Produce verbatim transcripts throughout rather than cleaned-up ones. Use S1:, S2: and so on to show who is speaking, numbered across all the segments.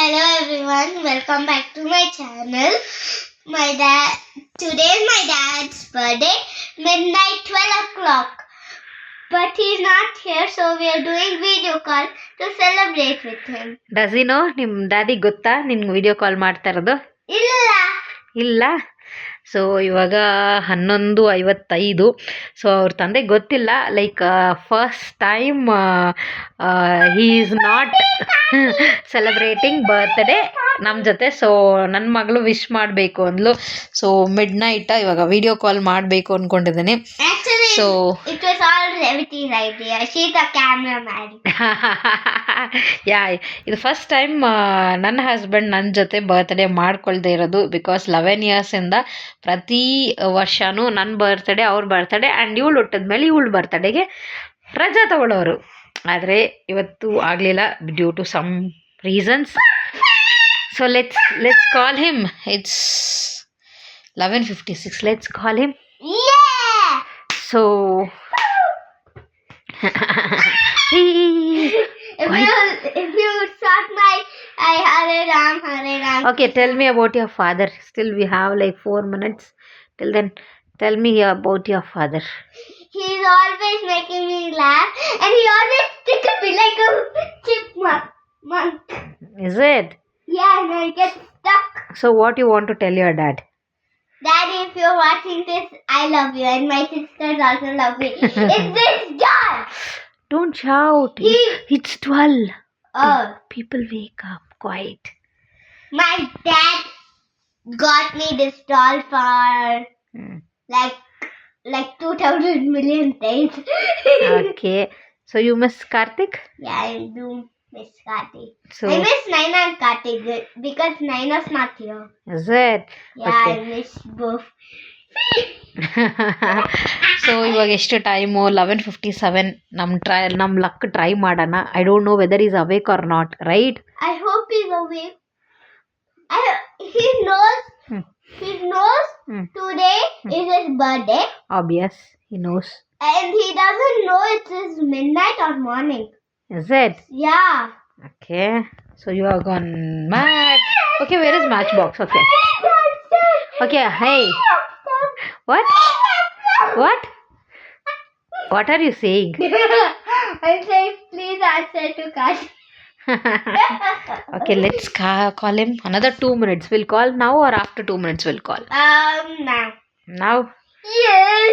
S1: Hello everyone, welcome back to my channel. My dad today is my dad's birthday, midnight twelve o'clock. But he's not here, so we are doing video call to celebrate with him.
S2: Does you know ನಿಮ್ಮ ಡ್ಯಾಡಿಗೆ ಗೊತ್ತಾ ನಿನ್ಗೆ video call ಮಾಡ್ತಾ ಇರೋದು?
S1: ಇಲ್ಲ
S2: ಇಲ್ಲ. So ಇವಾಗ ಹನ್ನೊಂದು ಐವತ್ತೈದು. ಸೊ ಅವ್ರ ತಂದೆಗೆ ಗೊತ್ತಿಲ್ಲ, like first time he is not celebrating birthday ನಮ್ಮ ಜೊತೆ. ಸೊ ನನ್ನ ಮಗಳು ವಿಶ್ ಮಾಡಬೇಕು ಅಂದ್ಲು. ಸೊ ಮಿಡ್ ನೈಟ್ ಇವಾಗ ವಿಡಿಯೋ ಕಾಲ್ ಮಾಡಬೇಕು ಅಂದ್ಕೊಂಡಿದ್ದೀನಿ.
S1: Actually,
S2: so
S1: it was all Reviti's idea. She's the cameraman.
S2: Yeah ಇದು ಫಸ್ಟ್ ಟೈಮ್ ನನ್ನ ಹಸ್ಬೆಂಡ್ ನನ್ನ ಜೊತೆ ಬರ್ತ್ಡೇ ಮಾಡ್ಕೊಳ್ದೇ ಇರೋದು. ಬಿಕಾಸ್ ಲೆವೆನ್ ಇಯರ್ಸಿಂದ ಪ್ರತಿ ವರ್ಷವೂ ನನ್ನ ಬರ್ತ್ಡೇ ಅವ್ರ ಬರ್ತ್ಡೇ ಆ್ಯಂಡ್ ಇವಳು ಹುಟ್ಟಿದ್ಮೇಲೆ ಇವಳು ಬರ್ತ್ಡೇಗೆ ರಜಾ ತಗೊಳ್ಳೋರು. ಆದರೆ ಇವತ್ತು ಆಗಲಿಲ್ಲ due to some reasons. So let's let's call him. It's eleven fifty six. Let's call him.
S1: Yeah!
S2: So
S1: If you if you start my I Hare Ram Hare Ram.
S2: Okay, tell me about your father. Still we have like four minutes. Till then, tell me about your father.
S1: He's always making me laugh, and he always sticks me like a chipmunk. Monk.
S2: Is it?
S1: Yeah, and I get stuck.
S2: So what you want to tell your dad?
S1: Daddy, if you're watching this, I love you, and my sisters also love me. It's this doll.
S2: Don't shout.
S1: He-
S2: It's, it's twelve.
S1: Oh,
S2: People wake up. Quiet.
S1: my dad got me this doll for
S2: Hmm.
S1: like like two thousand million days.
S2: Okay. So you miss Karthik?
S1: Yeah, I do miss Kartik.
S2: So
S1: I miss Naina and Kartik because Naina's not here.
S2: is it?
S1: Yeah,
S2: Okay.
S1: I miss both.
S2: So ಇವಾಗ ಎಷ್ಟು time? Eleven fifty seven. ನಮ್ಮ try ನಮ್ಮ luck try ಮಾಡೋಣ. I don't know whether is awake or not, right?
S1: I hope he's awake. I he knows
S2: Hmm.
S1: he knows
S2: Hmm.
S1: today is his birthday,
S2: Obvious. He knows.
S1: and he doesn't know it is midnight or morning.
S2: Is it?
S1: Yeah.
S2: Okay. So you are gone mad. Okay, where is Matchbox? Okay. Okay, hey. What? What? What are you saying?
S1: I'm saying please answer to Kartik.
S2: Okay, let's ca- call him. Another two minutes. We'll call now or after two minutes we'll call?
S1: Um now.
S2: Now?
S1: Yes.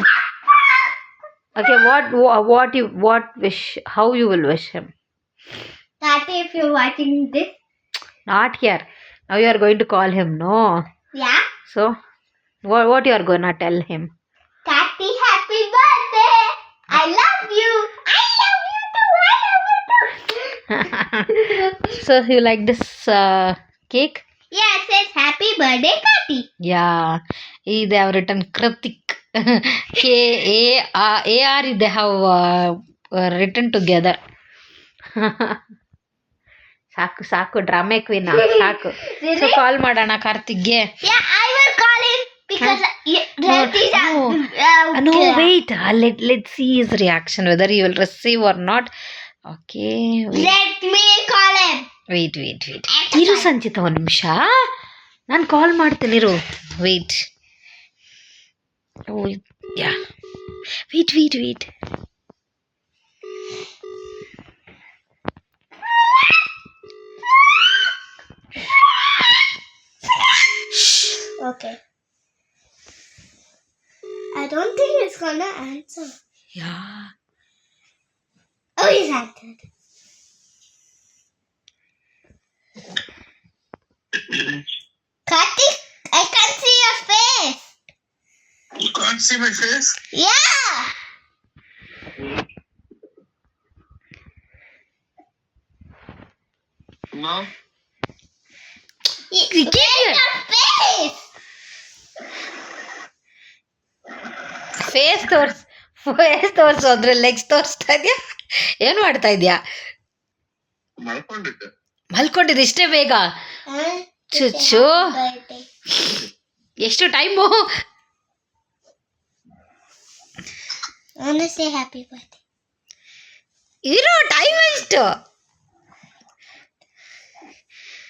S2: Okay, what wha- what you what wish, how you will wish him?
S1: Tati, if you're watching this,
S2: Not here. Now you are going to call him, no?
S1: yeah.
S2: So what what you are gonna tell him?
S1: Tati, happy birthday! I love you. I love you too. I love you too.
S2: So you like this uh, cake?
S1: Yeah, it says happy birthday, Tati.
S2: Yeah, eh, they have written Kritik. K A R A R they have uh, uh, written together. ಸಾಕು ಸಾಕು drama queen ಸಾಕು. So
S1: Really?
S2: Call ಮಾಡೋಣ ಕಾರ್ತಿಕ್ಗೆ.
S1: Yeah, I will call him because y- Tati's
S2: no.
S1: uh,
S2: No,
S1: okay.
S2: wait. Uh, let let's see his reaction whether he will receive or not. Okay. Wait,
S1: Let me call him.
S2: wait, wait. wait. ಇರು ಸಂಚಿತ ಒಂದು ನಿಮಿಷ. ನಾನು ಕಾಲ್ ಮಾಡ್ತೀನಿ ಇರು. Wait. Oh, yeah. Wait, wait, wait.
S1: Okay. I don't think he's gonna answer.
S2: Yeah.
S1: Oh, he's answered. Kartik, I can't see your face.
S3: You can't see my face?
S1: Yeah.
S3: No?
S1: Y- Where's your face?
S2: Face ತೋರ್ಸ್ face ತೋರ್ಸು ಅಂದ್ರೆ legs ತೋರಿಸ್ತಾ ಇದೆಯಾ? ಏನು ಮಾಡ್ತಾ ಇದೆಯಾ?
S3: ಮಲ್ಕೊಂಡಿದ್ದೆ.
S2: ಮಲ್ಕೊಂಡಿದ್ದು ಇಷ್ಟೇ ಬೇಗ?
S1: Huh?
S2: ಚುಚ್ಚು
S1: Birthday.
S2: ಎಷ್ಟು time?
S1: I want to say happy birthday.
S2: ಇರೋ ಟೈಮ್ ಎಷ್ಟು?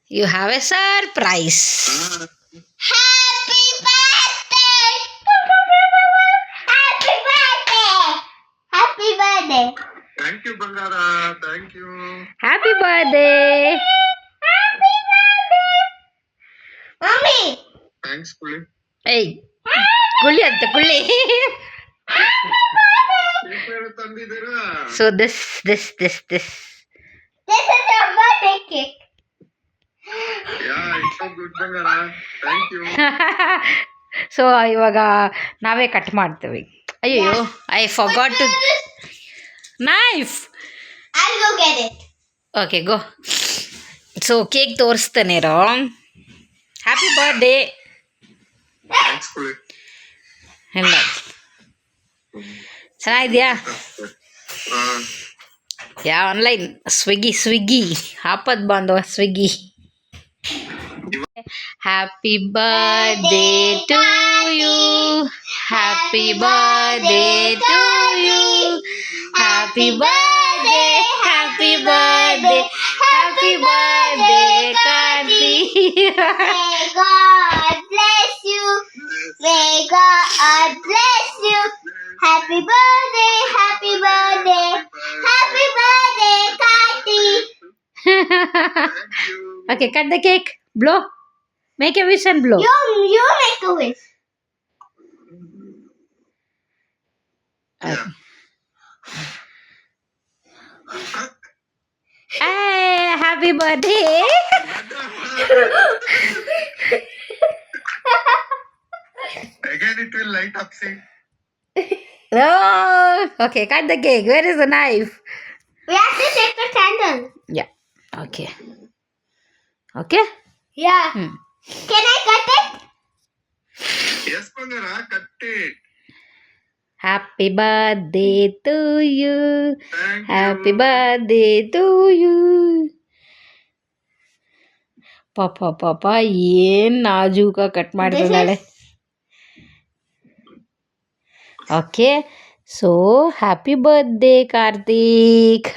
S2: You have a surprise.
S1: Happy birthday! Happy birthday! Happy birthday!
S3: Thank you, Bangara. Thank you.
S2: Happy birthday.
S1: Happy birthday! Mommy!
S3: Thanks, Kuli.
S2: Hey, Kulli ಅಂತ Kulli.
S3: Paper ತಂದಿದ್ದೀರಾ?
S2: So this, this, this, this.
S1: This is your birthday cake.
S3: Yeah, it's so good, Bangara. Thank you.
S2: So ಇವಾಗ ನಾವೇ cut ಮಾಡ್ತೀವಿ. ಅಯ್ಯೋ I forgot to knife.
S1: I'll go get it.
S2: Okay go. So cake ತೋರಿಸ್ತೇನೆ ರೋ. Happy birthday.
S3: Thanks, Kuli.
S2: ಇಲ್ಲ ಚೆನ್ನಾಗಿದೆಯಾ?
S3: Uh,
S2: yeah online Swiggy Swiggy ಆಪತ್ ಬಾಂಧವ Swiggy. Happy birthday to you, happy birthday to you, happy birthday, happy birthday, happy birthday Karthi.
S1: May God bless you. May God bless you. Happy birthday, happy birthday, happy birthday, Kati.
S3: thank you.
S2: Okay, cut the cake. Blow. Make a wish and blow.
S1: You, you make a wish.
S3: Yeah.
S2: Hey, happy birthday.
S3: Again, it will light up, see.
S2: Oh, okay, cut the cake. Where is the knife?
S1: We have to take the candle.
S2: Yeah. Okay. Okay?
S1: Yeah.
S2: Hmm.
S1: Can I cut it?
S3: Yes, Bangara, cut it.
S2: Happy birthday to you.
S3: Thank
S2: Happy
S3: you.
S2: birthday to you. ಪಾಪ ಪಾಪ ಏನ್ ನಾಜೂಕ cut ಮಾಡಿದಾಳೆ. Okay so happy birthday Karthik.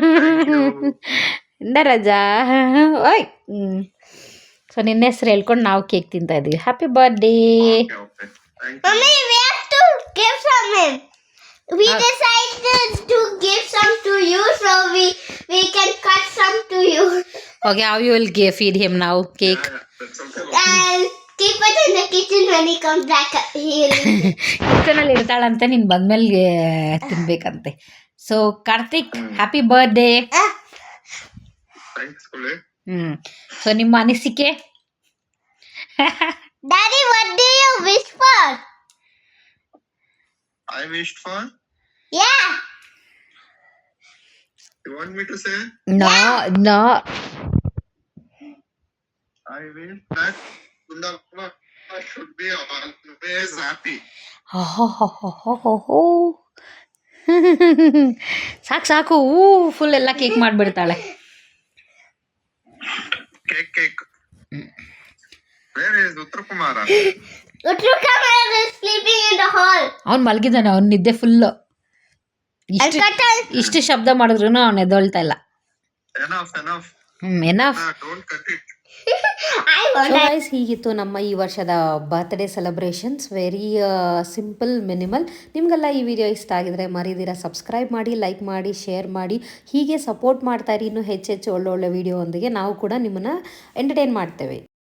S2: ಇಂದ ರಜಾ ಓಯ್. So ನಿನ್ನ ಹೆಸರು ಹೇಳ್ಕೊಂಡು ನಾವು ಕೇಕ್ ತಿಂತಾ ಇದೀವಿ. Happy birthday.
S3: Okay, okay. Thank you.
S1: Mommy, we have to give some him. We
S2: Ah.
S1: decided to give some to you, so we we can cut some to you
S2: okay how you will ಗೆ feed him ನಾವು cake?
S3: Yeah, yeah, that's okay.
S1: and keep it in the kitchen when he comes back. He'll
S2: ಕಿಚನಲ್ಲಿ ಇರ್ತಾಳಂತೆ, ನೀನು ಬಂದ್ಮೇಲೆ ತಿನ್ಬೇಕಂತೆ. So Karthik happy birthday.
S1: Ah,
S3: Thanks, Kuli.
S2: ಹ್ಞೂ so ನಿಮ್ಮ ಅನಿಸಿಕೆ?
S1: Daddy, what do you wish for?
S3: I wished for.
S1: Yeah.
S3: You want me to say?
S2: No no.
S3: I wish that Kundalama should be always happy.
S2: ಸಾಕು ಸಾಕು. ಹೂ full ಎಲ್ಲ cake ಮಾಡಿಬಿಡ್ತಾಳೆ.
S3: Cake, cake. Where is Uttakumara?
S1: Utrukamara is sleeping in the hall.
S2: ಅವ್ನು ಮಲಗಿದ್ದಾನೆ, ಅವ್ನು ನಿದ್ದೆ full.
S1: I'll
S2: ಇಷ್ಟು
S1: cut it.
S2: ಇಷ್ಟು ಶಬ್ದ ಮಾಡಿದ್ರು ಅವ್ನು ಎದ್ದೊಳ್ತಾ ಇಲ್ಲ.
S3: Enough, enough.
S2: ಹ್ಞೂ enough.
S3: Ah, don't cut it.
S1: I want
S2: so
S1: that.
S2: Guys ಹೀಗಿತ್ತು ನಮ್ಮ ಈ ವರ್ಷದ birthday celebrations. Very simple minimal. ನಿಮಗೆಲ್ಲ ಈ ವಿಡಿಯೋ ಇಷ್ಟ ಆಗಿದ್ರೆ ಮರಿದಿರ ಸಬ್ಸ್ಕ್ರೈಬ್ ಮಾಡಿ, ಲೈಕ್ ಮಾಡಿ, ಶೇರ್ ಮಾಡಿ. ಹೀಗೆ ಸಪೋರ್ಟ್ ಮಾಡ್ತಾ ಇರಿ. ಇನ್ನೂ ಹೆಚ್ಚೆಚ್ಚು ಒಳ್ಳೊಳ್ಳೆ ವಿಡಿಯೋ ಒಂದಿಗೆ ನಾವು ಕೂಡ ನಿಮ್ಮನ್ನು ಎಂಟರ್ಟೈನ್ ಮಾಡ್ತೇವೆ.